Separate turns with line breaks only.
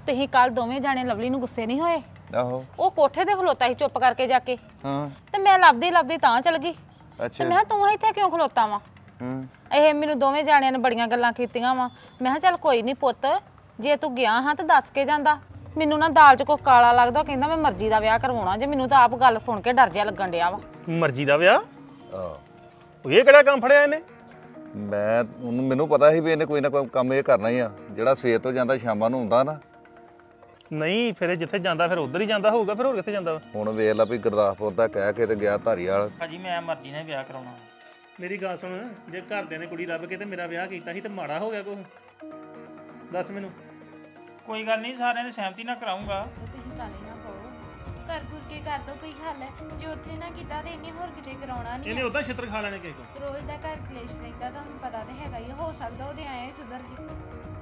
ਤੁਸੀਂ ਕੱਲ ਦੋਵੇਂ ਜਾਣੇ ਲਵਲੀ ਨੂੰ ਗੁੱਸੇ ਨਹੀਂ ਹੋਏ?
ਆਹੋ
ਉਹ ਕੋਠੇ ਤੇ ਖਲੋਤਾ ਸੀ ਚੁੱਪ ਕਰਕੇ ਜਾ ਕੇ।
ਹਾਂ
ਤੇ ਮੈਂ ਲੱਭਦੀ ਲੱਭਦੀ ਤਾਂ ਚਲ ਗਈ। ਤੇ
ਅੱਛਾ
ਮੈਂ ਕਿਹਾ ਤੂੰ ਇੱਥੇ ਕਿਉਂ ਖਲੋਤਾ ਵਾ? ਇਹ ਮੈਨੂੰ ਦੋਵੇਂ ਜਾਣਿਆਂ ਨੇ ਬੜੀਆਂ ਗੱਲਾਂ ਕੀਤੀਆਂ ਵਾ। ਮੈਂ ਕਿਹਾ ਚੱਲ ਕੋਈ ਨਹੀਂ ਪੁੱਤ, ਜੇ ਤੂੰ ਗਿਆ ਹਾਂ ਤਾਂ ਦੱਸ ਕੇ ਜਾਂਦਾ। ਮੈਨੂੰ ਨਾ ਦਾਲ 'ਚ ਕੁਛ ਕਾਲਾ ਲੱਗਦਾ, ਕਹਿੰਦਾ ਮੈਂ ਮਰਜ਼ੀ ਦਾ ਵਿਆਹ ਕਰਵਾਉਣਾ ਜੇ। ਮੈਨੂੰ ਤਾਂ ਆਪ ਗੱਲ ਸੁਣ ਕੇ ਡਰ ਜਿਹਾ ਲੱਗਣ ਡਿਆ ਵਾ।
ਮਰਜ਼ੀ ਦਾ ਵਿਆਹ?
ਆਹ
ਇਹ ਕਿਹੜਾ ਕੰਮ ਫੜਿਆ ਇਹਨੇ?
ਮੈਨੂੰ ਪਤਾ ਸੀ ਵੀ ਇਹਨੇ ਕੋਈ ਨਾ ਕੋਈ ਕੰਮ ਇਹ ਕਰਨਾ ਹੀ ਆ। ਜਿਹੜਾ ਸਵੇਰ ਤੋਂ ਜਾਂਦਾ ਸ਼ਾਮਾਂ ਨੂੰ ਹੁੰਦਾ ਨਾ।
ਨਹੀਂ ਫਿਰ ਇਹ ਜਿੱਥੇ ਜਾਂਦਾ ਫਿਰ ਉਧਰ ਹੀ ਜਾਂਦਾ ਹੋਊਗਾ, ਫਿਰ ਹੋਰ ਕਿੱਥੇ ਜਾਂਦਾ ਵਾ?
ਹੁਣ ਵੇਖ ਲਾ ਵੀ ਗੁਰਦਾਸਪੁਰ ਦਾ ਕਹਿ ਕੇ ਤੇ ਗਿਆ ਧਾਰੀਵਾਲ।
ਭਾਜੀ ਮੈਂ ਮਰਜ਼ੀ ਨਾਲ ਵਿਆਹ ਕਰਾਉਣਾ।
ਮੇਰੀ ਗੱਲ ਸੁਣ, ਜੇ ਘਰਦਿਆਂ ਨੇ ਕੁੜੀ ਲੱਭ ਕੇ ਤੇ ਮੇਰਾ ਵਿਆਹ ਕੀਤਾ ਸੀ ਤੇ ਮਾੜਾ ਹੋ ਗਿਆ ਕੁਛ? ਦੱਸ ਮੈਨੂੰ।
ਕੋਈ ਗੱਲ ਨਹੀਂ, ਸਾਰਿਆਂ ਦੀ ਸਹਿਮਤੀ ਨਾਲ ਕਰਾਉਂਗਾ।
ਤੁਸੀਂ ਕਾਲੇ ਨਾ ਪਾਓ, ਕਰ ਗੁਰ ਕੇ ਕਰ ਦੋ ਕੋਈ ਹੱਲ। ਜੇ ਉੱਥੇ ਨਾ ਕੀਤਾ ਤੇ ਇਹਨੇ ਹੋਰ ਕਿਤੇ ਕਰਾਉਣਾ ਨਹੀਂ।
ਇਹਨੇ ਉਦਾਂ ਛਿੱਤਰ ਖਾ ਲੈਣੇ ਕਿਸੇ ਕੋਲ।
ਰੋਜ਼ ਦਾ ਘਰ ਕਲੇਸ਼ ਰਹਿੰਦਾ, ਤੁਹਾਨੂੰ ਪਤਾ ਤੇ ਹੈਗਾ ਹੀ। ਹੋ ਸਕਦਾ ਉਹਦੇ ਆਏ ਸੁਧਰ ਜੀ।